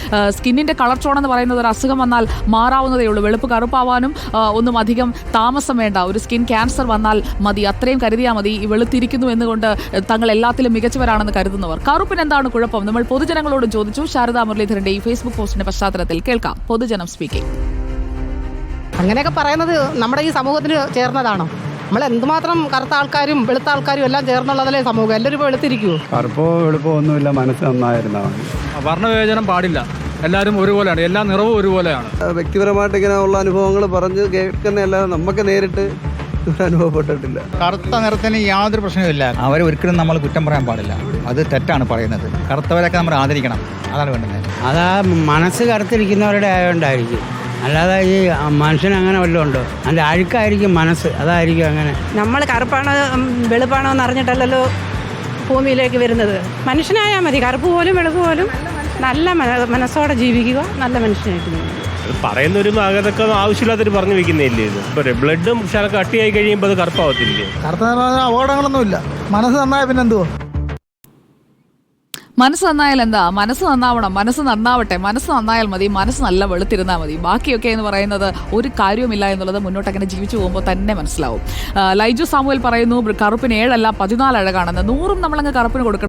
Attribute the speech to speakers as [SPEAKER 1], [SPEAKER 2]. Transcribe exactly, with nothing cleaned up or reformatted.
[SPEAKER 1] സ്കിന്നിൻ്റെ colour tone എന്ന് പറയുന്നത് ഒരു അസുഖം വന്നാൽ മാറാവുന്നതേ ഉള്ളൂ. വെളുപ്പ് കറുപ്പാവാനും ഒന്നും അധികം താമസം വേണ്ട. ഒരു സ്കിൻ ക്യാൻസർ വന്നാൽ മതി, അത്രയും കരുതിയാൽ മതി. ഈ വെളുത്തിരിക്കുന്നു എന്നുകൊണ്ട് തങ്ങൾ എല്ലാത്തിലും മികച്ചവരാണെന്ന് കരുതുന്നവർ. കറുപ്പിന് എന്താണ് കുഴപ്പം? നമ്മൾ പൊതുജനങ്ങളോട് ചോദിച്ചു. ശാരദാ മുരളീധരന്റെ ഈ ഫേസ്ബുക്ക് പോസ്റ്റിന്റെ പശ്ചാത്തലത്തിൽ കേൾക്കാം പൊതുജനം സ്പീക്കിംഗ്.
[SPEAKER 2] അങ്ങനെയൊക്കെ പറയുന്നത് നമ്മുടെ ഈ സമൂഹത്തിന് ചേർന്നതാണോ? നമ്മൾ എന്തുമാത്രം കറുത്ത ആൾക്കാരും വെളുത്ത ആൾക്കാരും എല്ലാം ചേർന്നുള്ളതല്ലേ സമൂഹം. എല്ലാവരും വെളുത്തിരിക്കുമോ?
[SPEAKER 3] കറുപ്പോ വെളുപ്പോ ഒന്നുമില്ല, മനസ്സ് നന്നായിരുന്നാ മതി.
[SPEAKER 4] വർണ്ണവിവേചനം പാടില്ല. എല്ലാവരും ഒരുപോലെയാണ്, എല്ലാ നിറവും ഒരുപോലെയാണ്.
[SPEAKER 5] വ്യക്തിപരമായിട്ട് ഇങ്ങനെ ഉള്ള അനുഭവങ്ങൾ പറഞ്ഞ് കേൾക്കുന്നതല്ലാതെ നമുക്ക് നേരിട്ട് അനുഭവപ്പെട്ടിട്ടില്ല.
[SPEAKER 6] കറുത്ത നിറത്തിന് യാതൊരു പ്രശ്നവുമില്ല. അവരെ ഒരിക്കലും നമ്മൾ കുറ്റം പറയാൻ പാടില്ല. അത് തെറ്റാണ് പറയുന്നത്. കറുത്തവരൊക്കെ നമ്മൾ ആദരിക്കണം, അതാണ് വേണ്ടത്.
[SPEAKER 7] അതാ മനസ്സ് കറുത്തിരിക്കുന്നവരുടെ ആയതുകൊണ്ടായിരിക്കും, അല്ലാതെ ഈ മനുഷ്യന് അങ്ങനെ വല്ലതും ഉണ്ടോ? അതിൻ്റെ അഴുക്കായിരിക്കും മനസ്സ്, അതായിരിക്കും അങ്ങനെ.
[SPEAKER 2] നമ്മൾ കറുപ്പാണോ വെളുപ്പാണോ എന്ന് അറിഞ്ഞിട്ടല്ലല്ലോ ഭൂമിയിലേക്ക് വരുന്നത്. മനുഷ്യനായാൽ മതി, കറുപ്പ് പോലും വെളുപ്പ് പോലും നല്ല മനസ്സോടെ ജീവിക്കുക, നല്ല മനുഷ്യനായിട്ട് ജീവിക്കുക.
[SPEAKER 8] പറയുന്നൊരു അതൊക്കെ ആവശ്യമില്ലാത്തൊരു പറഞ്ഞു വെക്കുന്നതല്ലേ ഇത്. ഇപ്പോൾ ബ്ലഡും ശാലൊക്കെ കട്ടിയായി കഴിയുമ്പോൾ അത് കറുപ്പാവത്തില്ലേ?
[SPEAKER 9] കറുത്ത അപകടങ്ങളൊന്നുമില്ല. മനസ്സ് നന്നായ പിന്നെ എന്തുവാ?
[SPEAKER 1] മനസ്സ് നന്നായാൽ എന്താ? മനസ്സ് നന്നാവണം, മനസ്സ് നന്നാവട്ടെ, മനസ്സ് നന്നായാൽ മതി, മനസ്സ് നല്ല വെളുത്തിരുന്നാൽ മതി. ബാക്കിയൊക്കെ എന്ന് പറയുന്നത് ഒരു കാര്യവുമില്ല എന്നുള്ളത് മുന്നോട്ട് അങ്ങനെ ജീവിച്ചു പോകുമ്പോൾ തന്നെ മനസ്സിലാവും. ലൈജു സാമുവൽ പറയുന്നു കറുപ്പിന് ഏഴല്ല പതിനാല് അഴകാണെന്ന്. നൂറും നമ്മളങ്ങ് കറുപ്പിന് കൊടുക്കണം.